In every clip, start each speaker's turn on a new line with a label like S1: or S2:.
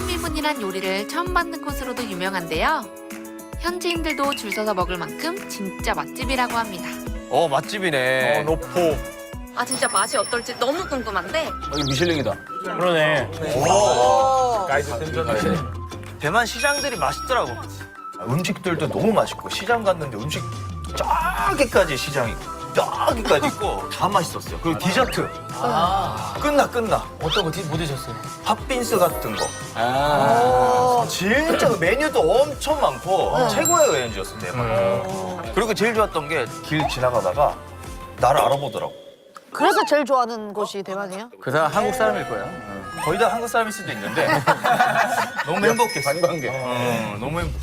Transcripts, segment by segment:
S1: 삼천미분이란 요리를 처음 만든 곳으로도 유명한데요. 현지인들도 줄 서서 먹을 만큼 진짜 맛집이라고 합니다.
S2: 맛집이네.
S3: 노포.
S4: 아 진짜 맛이 어떨지 너무 궁금한데
S2: 여기 미슐랭이다.
S3: 그러네. 가이드 센터네.
S5: 대만 시장들이 맛있더라고. 음식들도 너무 맛있고 시장 갔는데 음식 저기까지 시장이 저기까지 있고 다 맛있었어요. 그리고 디저트 끝나.
S2: 어떤 거 못 드셨어요?
S5: 팥빙수 같은 거. 진짜 그 메뉴도 엄청 많고 최고의 여행지였어 대만. 그리고 제일 좋았던 게 길 지나가다가 나를 알아보더라고.
S6: 그래서 제일 좋아하는 곳이 대만이에요?
S2: 그 사람 한국 사람일 거야.
S5: 거의 다 한국 사람일 수도 있는데 너무 행복했어.
S2: 관광객.
S5: 너무 행복.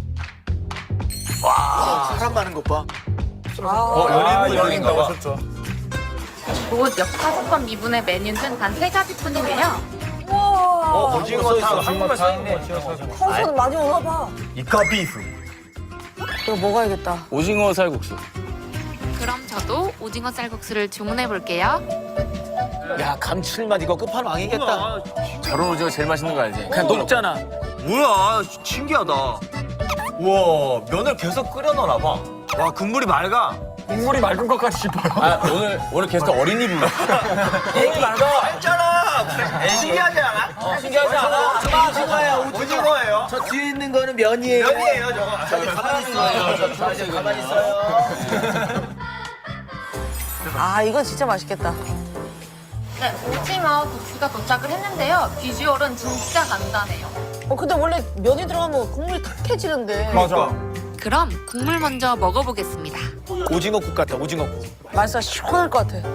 S2: 사람 많은 것 봐.
S5: 연예인인가 봐.
S4: 곧 역사석권 미분의 메뉴는 단 3가지뿐인데요.
S5: 오징어 탕 한국말 써있네.
S6: 평소는 많이 오나 봐.
S5: 이카 비프.
S6: 그거 먹어야겠다.
S2: 오징어 살국수.
S1: 그럼 저도 오징어 쌀국수를 주문해 볼게요.
S2: 야, 감칠맛 이거 끝판왕이겠다. 저런 오징어 제일 맛있는 거 알지? 그냥 녹잖아.
S5: 뭐야, 신기하다. 우와, 면을 계속 끓여 넣나 봐. 와, 국물이 맑아.
S3: 국물이 맑은 것 같이 싶어요.
S2: 아, 오늘 게스트 어린이 불러.
S5: 애기 맑아. 알잖아. 신기하지 않아? 신기하지 않아? 오징어예요, 오징어예요.
S2: 저 뒤에 있는 거는 면이에요.
S5: 면이에요, 저거. 저기 가만히 있어요. 저 이제 가만히 있어요.
S6: 아, 이건 진짜 맛있겠다.
S4: 네, 오징어 국수가 도착을 했는데요. 비주얼은 진짜 간단해요.
S6: 근데 원래 면이 들어가면 국물이 탁해지는데.
S5: 맞아.
S1: 그럼 국물 먼저 먹어보겠습니다.
S2: 오징어국 같아, 오징어국.
S6: 맛있어, 시원할 것 같아.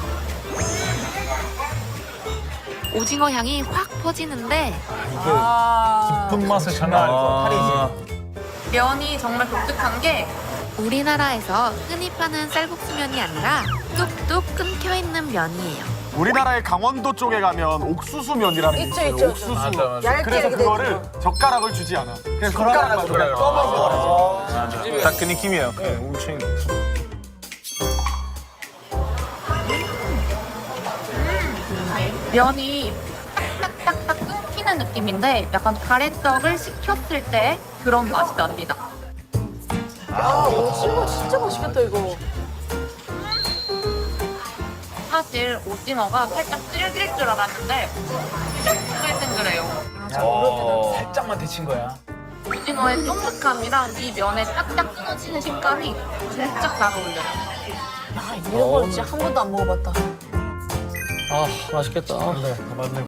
S1: 오징어 향이 확 퍼지는데
S3: 깊은 맛을 장난 아니고.
S4: 면이 정말 독특한 게
S1: 우리나라에서 흔히 파는 쌀국수면이 아니라 뚝뚝 끊겨있는 면이에요.
S3: 우리나라의 강원도 쪽에 가면 옥수수면이라는 게
S6: 있죠,
S3: 있어요.
S6: 있죠.
S3: 옥수수.
S6: 얇게
S3: 그래서
S6: 이렇게 돼
S3: 그거를 젓가락을 주지 않아. 그냥 손가락으로 그냥 떠먹어. 딱 그 느낌이에요. 네, 엄청.
S4: 면이 딱딱딱딱 끊기는 느낌인데 약간 가래떡을 식혔을 때 그런 맛이 납니다.
S6: 오징어 진짜 맛있겠다, 이거.
S4: 사실 오징어가 살짝 질길 줄 알았는데 탱글탱글해요.
S2: 살짝만 데친 거야.
S4: 오징어의 쫀득함이랑 이 면의 딱딱 끊어지는 식감이 진짜 잘 어울려요.
S6: 이런 걸 진짜 한 번도 안 먹어봤다.
S2: 아, 맛있겠다.
S3: 네, 맞네.